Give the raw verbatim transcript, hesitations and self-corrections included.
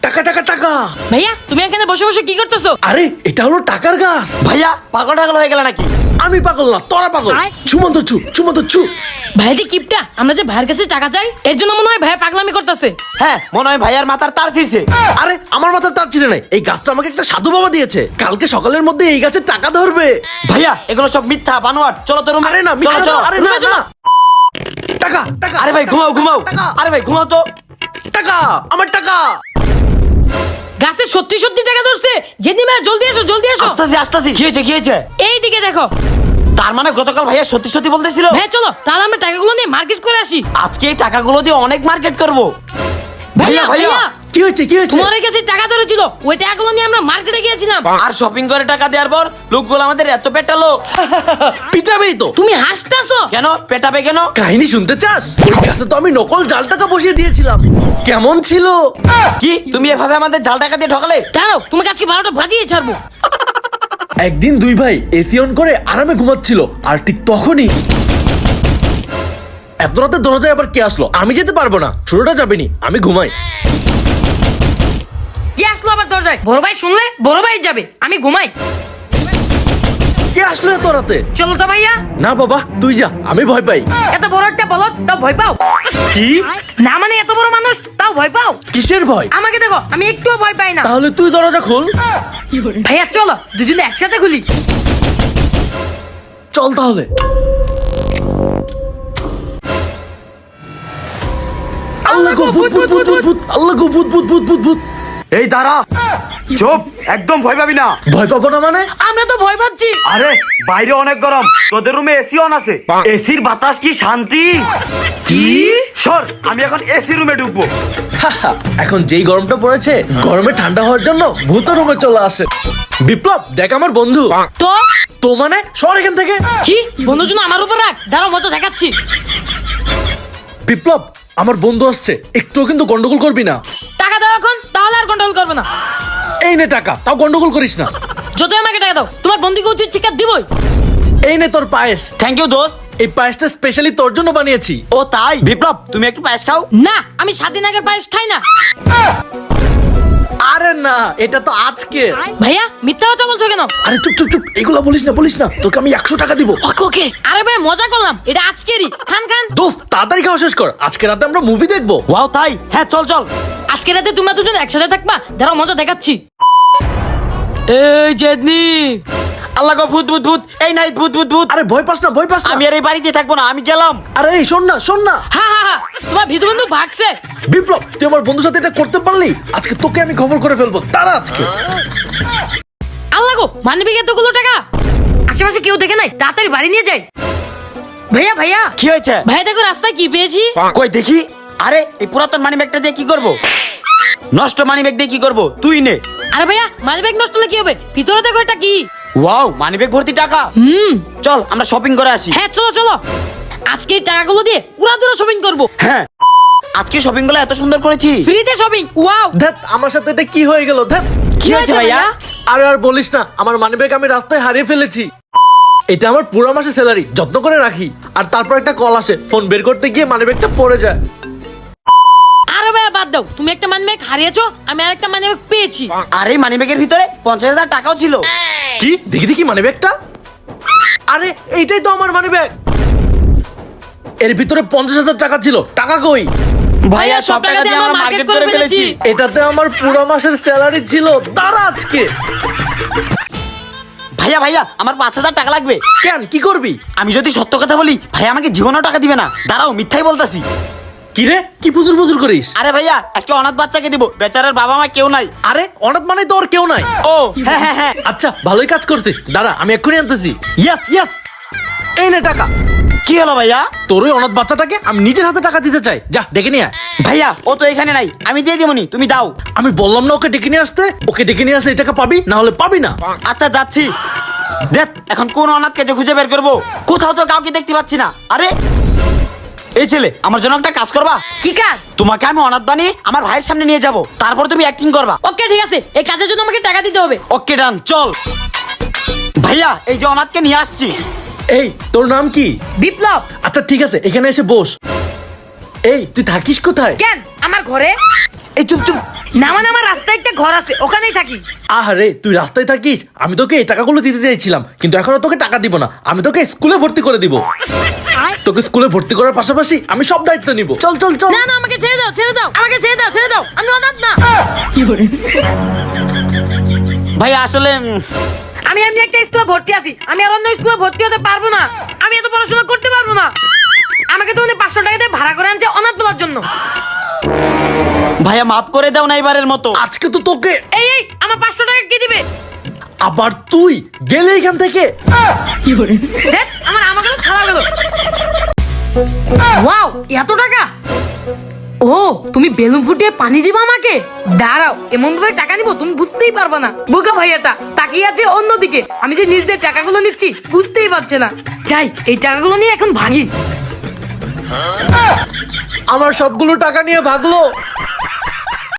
টাকা টাকা টাকা। ভাইয়া তুমি এখানে বসে বসে কি করতেছো? আরে এটা হলো টাকার গাছ। ভাইয়া পাগল টাগল হয়ে গেল নাকি? আমি পাগল না, তোরা পাগল। ছুমন্ত ছু ছুমন্ত ছু। ভাইয়া যে কিপটা, আমরা যে ভাইয়ের কাছে টাকা চাই এর জন্য মনে হয় ভাইয়া পাগলামি করতেছে। হ্যাঁ মনে হয় ভাইয়ার মাথার তার ছিঁড়ছে। আরে আমার মাথার তার ছিঁড়ে নাই, এই গাছটা আমাকে একটা সাধু বাবা দিয়েছে, কালকে সকালের মধ্যে এই গাছে টাকা ধরবে। ভাইয়া এগুলো সব মিথ্যা বানোয়াট, চলো তো রুমে। আরে না, চলো মিথ্যা চলো। না, আরে না না। টাকা টাকা। আরে ভাই ঘুমাও ঘুমাও। টাকা আরে ভাই ঘুমাও তো। টাকা, আমার টাকা। গাছে সত্যি সত্যি টাকা ধরছে। যেদিন ভাইয়া জলদি এসো জলদি এসো। আস্তে আস্তে আস্তে। কি হয়েছে কি হয়েছে? এইদিকে দেখো। তার মানে গতকাল ভাইয়া সত্যি সত্যি বলতেছিল। ভাইয়া চলো তাহলে আমরা টাকাগুলো নিয়ে মার্কেট করে আসি। আজকে এই টাকাগুলো দিয়ে অনেক মার্কেট করব। ভাইয়া ভাইয়া, ভাইয়া কি হয়েছে কি হয়েছে? তোমার কাছে টাকা ধরেছিল, ওই টাকাগুলো নিয়ে আমরা মার্কেটে গিয়েছিলাম। আর শপিং করে টাকা দেওয়ার পর লোকগুলো আমাদের এত পেটালো। পিটাবেই তো। তুমি হাসতেছো কেন পেটাবে কেন? কাহিনী শুনতে চাস? ওই গাছে তো আমি নকল জাল টাকা বসিয়ে দিয়েছিলাম। কেমন ছিল? কি তুমি এভাবে আমাদের জাল টাকা দিয়ে ঠকালে? দাঁড়াও তোমাকে আজকে বারোটা বাজিয়ে ছাড়বো। একদিন দুই ভাই এসি অন করে আরামে ঘুমাচ্ছিল, আর ঠিক তখনই এত রাতে দরজায় আবার কে আসলো? আমি যেতে পারবো না, ছোটটা যাবেনি, আমি ঘুমাই। কি আসলো আবার দরজায়? বড় ভাই শুনলে বড় ভাই যাবে, আমি ঘুমাই। কে আসলো এত রাতে? চলো তো ভাইয়া। না বাবা তুই যা, আমি ভয় পাই। এত বড় একটা বলদ তাও ভয় পাও? কি? না মানে এত বড় মানুষ তাও ভয় পাও? কিসের ভয়? আমাকে দেখো আমি একটুও ভয় পাই না। তাহলে তুই দরজা খোল। ভাইয়া চলো দুজনে একসাথে খুলি। চল তাহলে। আল্লাহ গো, ভূত ভূত ভূত ভূত ভূত, আল্লাহ গো, ভূত ভূত ভূত ভূত ভূত। এই দাঁড়া, চুপ, একদম ভয় পাবি না। ভয় পাবো না মানে? আমরা তো ভয় পাচ্ছি। আরে বাইরে অনেক গরম, তোদের রুমে এসি অন আছে, এসির বাতাস কি শান্তি। কি? সর, আমি এখন এসি রুমে ঢুকবো। হাহা, এখন যেই গরমটা পড়েছে, গরমে ঠান্ডা হওয়ার জন্য ভূত রুমে চলে আসে। বিপ্লব দেখ আমার বন্ধু। তো তো মানে সর এখান থেকে। কি বন্ধুর জন্য আমার উপর রাখ, দাঁড়াও মতো দেখাচ্ছি। বিপ্লব আমার বন্ধু আসছে, একটুও কিন্তু গন্ডগোল করবি না। টাকা দাও এখন, তাহলে আর কন্ট্রোল করবে না। এই নে টাকা, তাও গন্ডগোল করিস না। যত আমাকে টাকা দাও, তোমার বন্ধুকে উচিত শিক্ষা দিবই। এই নে তোর পায়েস। থ্যাংক ইউ দোস্ত। এই পায়েসটা স্পেশালি তোর জন্য বানিয়েছি। ও তাই? বিপ্লব তুমি একটু পায়েস খাও। না আমি সাত দিন আগের পায়েস খাই না। আরে না, এটা তো আজকে। ভাইয়া মিথ্যা কথা বলছো কেন? আরে চুপ চুপ চুপ, এগুলা বলিস না বলিস না, তোকে আমি একশো টাকা দিব। ওকে ওকে। আরে ভাই মজা করলাম, এটা আজকেরই। খান খান। দোস্ত তাড়াতাড়ি খাওয়া শেষ কর, আজকে রাতে আমরা মুভি দেখবো। ওয়াও তাই? হ্যাঁ চল চল। আজকে রাতে তোমরা দুজন একসাথে থাকবা, দাঁড়াও মজা দেখাচ্ছি। এই জেদনি। আল্লাহ গো, ভূত ভূত ভূত। এই নাই ভূত ভূত ভূত। আরে ভয় পাস না ভয় পাস না। আমি আর এই বাড়িতে থাকবো না, আমি গেলাম। আরে এই শোন না শোন না। হা হা হা, তোমার ভিতু বন্ধু ভাগছে। বিপ্লব তুই আমার বন্ধুর সাথে এটা করতে পারলি? আজকে তোকে আমি খবর করে ফেলবো, তারা আজকে। আল্লাহ গো, মানবিক এতগুলো টাকা আশেপাশে কেউ দেখে নাই, তাড়াতাড়ি বাড়ি নিয়ে যাই। ভাইয়া ভাইয়া কি হয়েছে? ভাই দেখো রাস্তায় কি পেয়েছি। কই দেখি। আরে এই পুরাতন মানি ব্যাগটা দিয়ে কি করব? নষ্ট মানি ব্যাগ দিয়ে কি করব? তুই নে। আরে ভাইয়া মানিব্যাগ নষ্ট হলে কি হবে? ভিতরে দেখো এটা কি। ওয়াও, মানি ব্যাগ ভর্তি টাকা। হুম চল আমরা শপিং করে আসি। হ্যাঁ চলো চলো, আজকে এই টাকাগুলো দিয়ে পুরা দূরে শপিং করবো। হ্যাঁ আজকে শপিং গুলো এত সুন্দর করেছি। ফ্রিতে শপিং। ওয়াও। ধ্যাত আমার সাথে এটা কি হয়ে গেল? ধ্যাত। কি হয়েছে ভাইয়া? আরে আর বলিস না, আমার মানিব্যাগ আমি রাস্তায় হারিয়ে ফেলেছি। এটা আমার পুরো মাসের স্যালারি, যত্ন করে রাখি। আর তারপর একটা কল আসে, ফোন বের করতে গিয়ে মানিব্যাগটা পড়ে যায়। আরে ভাইয়া বাদ দাও, তুমি একটা মানিব্যাগ হারিয়েছো, আমি আর একটা মানিব্যাগ পেয়েছি। আর এই মানি ব্যাগের ভিতরে পঞ্চাশ হাজার টাকাও ছিল। কি? দেখি দেখি মানিব্যাগটা। আরে এইটাই তো আমার মানিব্যাগ, এর ভিতরে পঞ্চাশ হাজার টাকা ছিল। টাকা কই? ভাইয়া সব টাকা দিয়ে আমরা মার্কেট করে ফেলেছি। এটাতে আমার পুরো মাসের স্যালারি ছিল, তারা আজকে। ভাইয়া ভাইয়া আমার পাঁচ হাজার টাকা লাগবে। কেন কি করবি? আমি যদি সত্য কথা বলি ভাইয়া আমাকে জীবনেও টাকা দিবে না। দাঁড়াও মিথ্যাই বলতাছি। কি রে, কি পুজুর পুজুর করিস? আরে ভাইয়া একটা অনাথ বাচ্চাকে দিব, বেচারার বাবা মা কেউ নাই। আরে অনাথ মানে তো ওর কেউ নাই। ও হ্যাঁ হ্যাঁ হ্যাঁ। আচ্ছা ভালোই কাজ করছিস, দাঁড়া আমি এক্ষুনি আনতেছি। Yes yes. এই নে টাকা। কি হলো ভাইয়া? তোর ওই অনাথ বাচ্চাটাকে আমি নিজের হাতে টাকা দিতে চাই, যা ডেকে নিয়ে আয়। ভাইয়া ও তো এখানে নাই, আমি দিয়ে দিবনি, তুমি দাও। আমি বললাম না ওকে ডেকে নিয়ে আসতে? ওকে ডেকে নিয়ে আসলে এই টাকা পাবি, না হলে পাবি না। আচ্ছা যাচ্ছি। দেখ এখন কোন অনাথকে যে খুঁজে বের করবো, কোথাও তো কাউকে দেখতে পাচ্ছি না। আরে এই ছেলে, আমার জন্য একটা কাজ করবা। কি কাজ? তোমাকে আমি অনাথ বানিয়ে আমার ভাইয়ের সামনে নিয়ে যাব, তারপর তুমি অ্যাক্টিং করবা। ওকে ঠিক আছে, এই কাজের জন্য আমাকে টাকা দিতে হবে। ওকে ডান, চল। ভাইয়া এই যে অনাথকে নিয়ে আসছি। এই তোর নাম কি? বিপ্লব। আচ্ছা ঠিক আছে, এখানে এসে বস। এই তুই থাকিস কোথায়? কেন আমার ঘরে? এই চুপ চুপ। না মানে আমার রাস্তায় একটা ঘর আছে, ওখানেই থাকি। আরে তুই রাস্তায় থাকিস, আমি তোকে এই টাকাগুলো দিতে চাইছিলাম, কিন্তু এখন আর তোকে টাকা দিব না, আমি তোকে স্কুলে ভর্তি করে দিব। তোকে স্কুলে ভর্তি করার পাশাপাশি আমি সব দায়িত্ব নিব। চল চল চল। না না, আমাকে ছেড়ে দাও, ছেড়ে দাও, আমাকে ছেড়ে দাও, ছেড়ে দাও, আমি অনাথ না। ভাই আসলে উম, আমি এমনি একটা স্কুলে ভর্তি আছি, আমি আর অন্য স্কুলে ভর্তি হতে পারবো না। আমি এত পড়াশোনা করতে পারবো না। আমাকে তো উনি পাঁচশো টাকা দিয়ে ভাড়া করে আনছে অনাথ বলার জন্য। ভাইয়া মাফ করে দাও না এবারের মতো। আজকে তো তোকে এই এই আমার পাঁচশো টাকা কে দিবে? আবার তুই গেলে এখান থেকে। দেখ আমার আমাকে তো ছাড়া গেল। ওয়াও, এত টাকা! ও, তুমি বেলুন ফুটিয়ে পানি দিবা আমাকে? দাঁড়াও, এমন ভাবে টাকা নিবো তুমি বুঝতেই পারবে না। বোকা ভাইয়াটা তাকিয়ে আছে অন্যদিকে, আমি যে নিজেদের টাকাগুলো নিচ্ছি বুঝতেই পারছে না। যাই, এই টাকাগুলো নিয়ে এখন ভাগি। আমার সবগুলো টাকা নিয়ে ভাগলো।